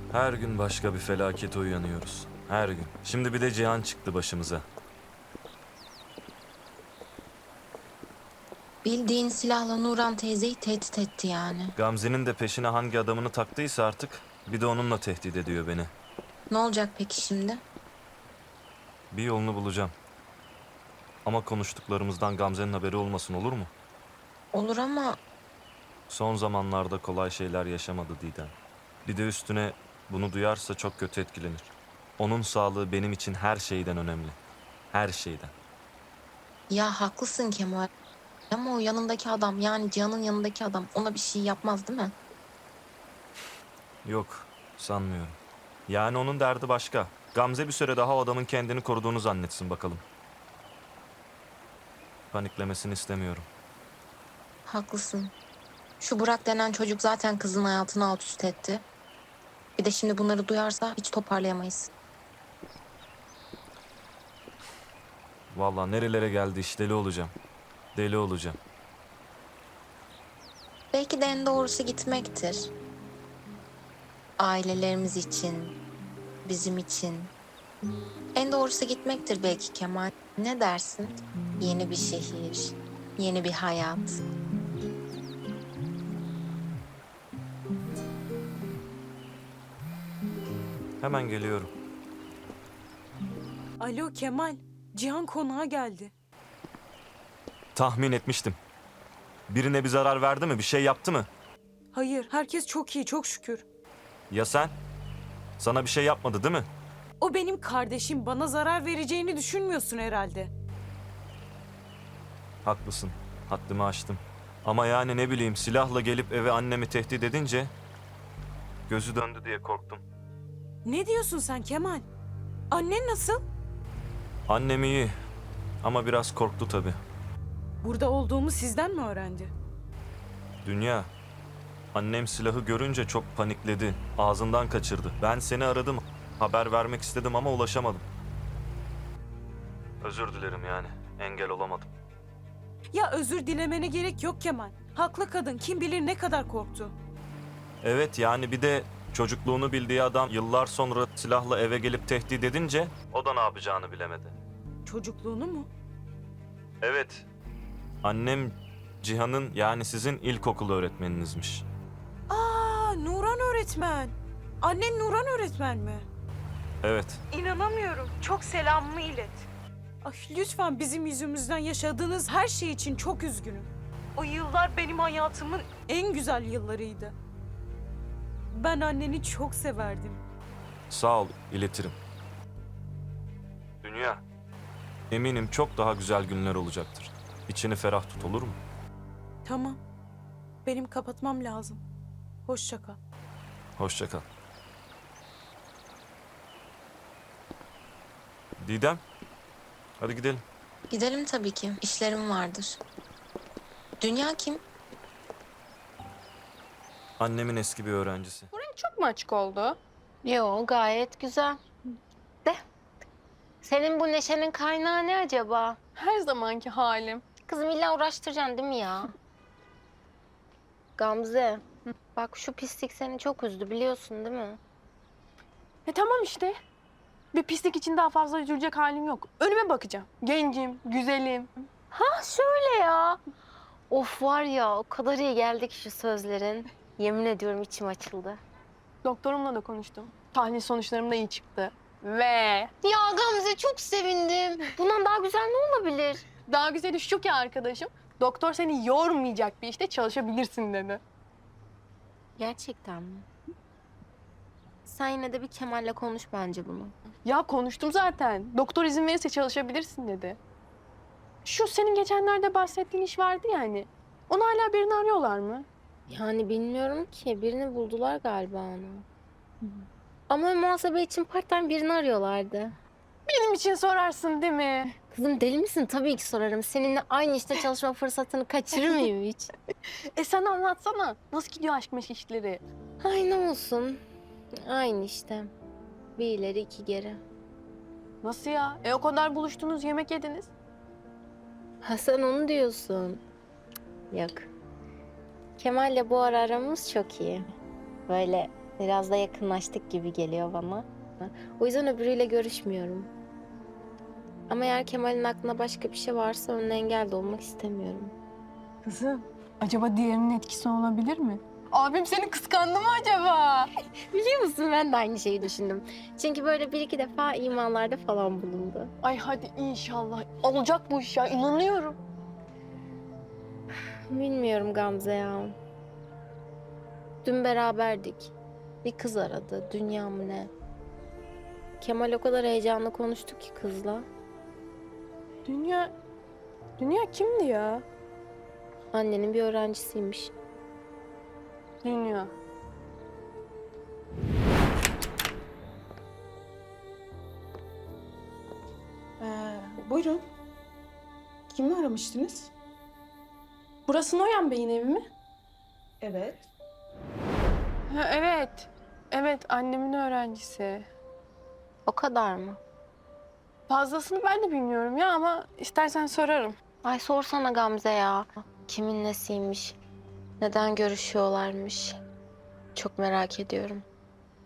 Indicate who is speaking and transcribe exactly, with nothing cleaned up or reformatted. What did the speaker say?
Speaker 1: Her gün başka bir felakete uyanıyoruz. Her gün. Şimdi bir de Cihan çıktı başımıza.
Speaker 2: Bildiğin silahla Nuran teyzeyi tehdit etti yani.
Speaker 1: Gamze'nin de peşine hangi adamını taktıysa artık bir de onunla tehdit ediyor beni.
Speaker 2: Ne olacak peki şimdi?
Speaker 1: Bir yolunu bulacağım. Ama konuştuklarımızdan Gamze'nin haberi olmasın, olur mu?
Speaker 2: Olur ama
Speaker 1: Son zamanlarda kolay şeyler yaşamadı Didem. Bir de üstüne bunu duyarsa çok kötü etkilenir. Onun sağlığı benim için her şeyden önemli. Her şeyden.
Speaker 2: ya haklısın Kemal. Ama o yanındaki adam yani Cihan'ın yanındaki adam ona bir şey yapmaz değil mi?
Speaker 1: Yok, sanmıyorum. Yani onun derdi başka. Gamze bir süre daha o adamın kendini koruduğunu zannetsin bakalım. Paniklemesini istemiyorum.
Speaker 2: Haklısın. Şu Burak denen çocuk zaten kızın hayatını alt üst etti. Bir de şimdi bunları duyarsa hiç toparlayamayız.
Speaker 1: Vallahi nerelere geldi iş, deli olacağım. Deli olacağım.
Speaker 2: Belki de en doğrusu gitmektir. Ailelerimiz için, bizim için. En doğrusu gitmektir belki Kemal. Ne dersin? Yeni bir şehir, yeni bir hayat.
Speaker 1: Hemen geliyorum.
Speaker 3: Alo Kemal, Cihan konağa geldi.
Speaker 1: Tahmin etmiştim. Birine bir zarar verdi mi, bir şey yaptı mı?
Speaker 3: Hayır, herkes çok iyi, çok şükür.
Speaker 1: Ya sen? Sana bir şey yapmadı değil mi?
Speaker 3: O benim kardeşim, bana zarar vereceğini düşünmüyorsun herhalde.
Speaker 1: Haklısın. Haddimi aştım. Ama yani ne bileyim, silahla gelip eve annemi tehdit edince gözü döndü diye korktum.
Speaker 3: Ne diyorsun sen Kemal? Annen nasıl?
Speaker 1: Annem iyi ama biraz korktu tabii.
Speaker 3: Burada olduğumu sizden mi öğrendi?
Speaker 1: Dünya. Annem silahı görünce çok panikledi. Ağzından kaçırdı. Ben seni aradım. Haber vermek istedim ama ulaşamadım. Özür dilerim yani. Engel olamadım.
Speaker 3: Ya özür dilemene gerek yok Kemal. Haklı kadın, kim bilir ne kadar korktu.
Speaker 1: Evet yani bir de çocukluğunu bildiği adam yıllar sonra silahla eve gelip tehdit edince o da ne yapacağını bilemedi.
Speaker 3: Çocukluğunu mu?
Speaker 1: Evet. Annem Cihan'ın yani sizin ilkokul öğretmeninizmiş.
Speaker 3: Aa, Nuran öğretmen. Annen Nuran öğretmen mi?
Speaker 1: Evet.
Speaker 3: İnanamıyorum. Çok selamımı ilet. Ay, lütfen bizim yüzümüzden yaşadığınız her şey için çok üzgünüm. O yıllar benim hayatımın en güzel yıllarıydı. Ben anneni çok severdim.
Speaker 1: Sağ ol, iletirim. Dünya. Eminim çok daha güzel günler olacaktır. İçini ferah tut, olur mu?
Speaker 3: Tamam. Benim kapatmam lazım. Hoşça kal.
Speaker 1: Hoşça kal. Didem. Hadi gidelim.
Speaker 2: Gidelim tabii ki. İşlerim vardır. Dünya kim?
Speaker 1: Annemin eski bir öğrencisi.
Speaker 4: Çok mu açık oldu?
Speaker 5: Yo, gayet güzel. De, senin bu neşenin kaynağı ne acaba?
Speaker 4: Her zamanki halim.
Speaker 5: Kızım illa uğraştıracaksın değil mi ya? Gamze, bak şu pislik seni çok üzdü biliyorsun değil mi?
Speaker 4: E tamam işte. Bir pislik için daha fazla üzülecek halim yok. Önüme bakacağım. Gencim, güzelim.
Speaker 5: Ha şöyle ya. Of var ya o kadar iyi geldi ki şu sözlerin. Yemin ediyorum içim açıldı.
Speaker 4: Doktorumla da konuştum. Tahlil sonuçlarım da iyi çıktı. Ve
Speaker 5: Ya Gamze çok sevindim. Bundan daha güzel ne olabilir?
Speaker 4: daha güzeli şu ki arkadaşım, doktor seni yormayacak bir işte çalışabilirsin dedi.
Speaker 5: Gerçekten mi? Sen yine de bir Kemal'le konuş bence bunu.
Speaker 4: Ya konuştum zaten. Doktor izin verirse çalışabilirsin dedi. Şu senin geçenlerde bahsettiğin iş vardı ya hani. Onu hala birini arıyorlar mı?
Speaker 5: Yani bilmiyorum ki. Birini buldular galiba onu. Ama muhasebe için part-time birini arıyorlardı.
Speaker 4: Benim için sorarsın değil mi?
Speaker 5: Kızım deli misin? Tabii ki sorarım. Seninle aynı işte çalışma fırsatını kaçırır mıyım hiç?
Speaker 4: E sen anlatsana. Nasıl gidiyor aşk meşk işleri?
Speaker 5: Ay ne olsun. Aynı işte. Bir ileri iki geri.
Speaker 4: Nasıl ya? E o kadar buluştunuz, yemek yediniz.
Speaker 5: Ha sen onu diyorsun. Yok. Kemal'le bu ara aramız çok iyi. Böyle Biraz da yakınlaştık gibi geliyor bana. O yüzden öbürüyle görüşmüyorum. Ama eğer Kemal'in aklına başka bir şey varsa önüne engel de olmak istemiyorum.
Speaker 4: Kızım, acaba diğerinin etkisi olabilir mi? Abim seni kıskandı mı acaba?
Speaker 5: Biliyor musun, ben de aynı şeyi düşündüm. Çünkü böyle bir iki defa imalarda falan bulundu.
Speaker 4: Ay hadi inşallah. Olacak bu iş ya, inanıyorum.
Speaker 5: Bilmiyorum Gamze ya. Dün beraberdik. Bir kız aradı. Dünya mı ne? Kemal o kadar heyecanlı konuştu ki kızla.
Speaker 4: Dünya... Dünya kimdi ya?
Speaker 5: Annenin bir öğrencisiymiş.
Speaker 4: Dünya.
Speaker 3: Ee, buyurun. Kimi aramıştınız?
Speaker 4: Burası Noyan Bey'in evi mi?
Speaker 3: Evet.
Speaker 4: Ha, evet. Evet, annemin öğrencisi.
Speaker 5: O kadar mı?
Speaker 4: Fazlasını ben de bilmiyorum ya ama istersen sorarım.
Speaker 5: Ay sorsana Gamze ya. Kimin nesiymiş? Neden görüşüyorlarmış? Çok merak ediyorum.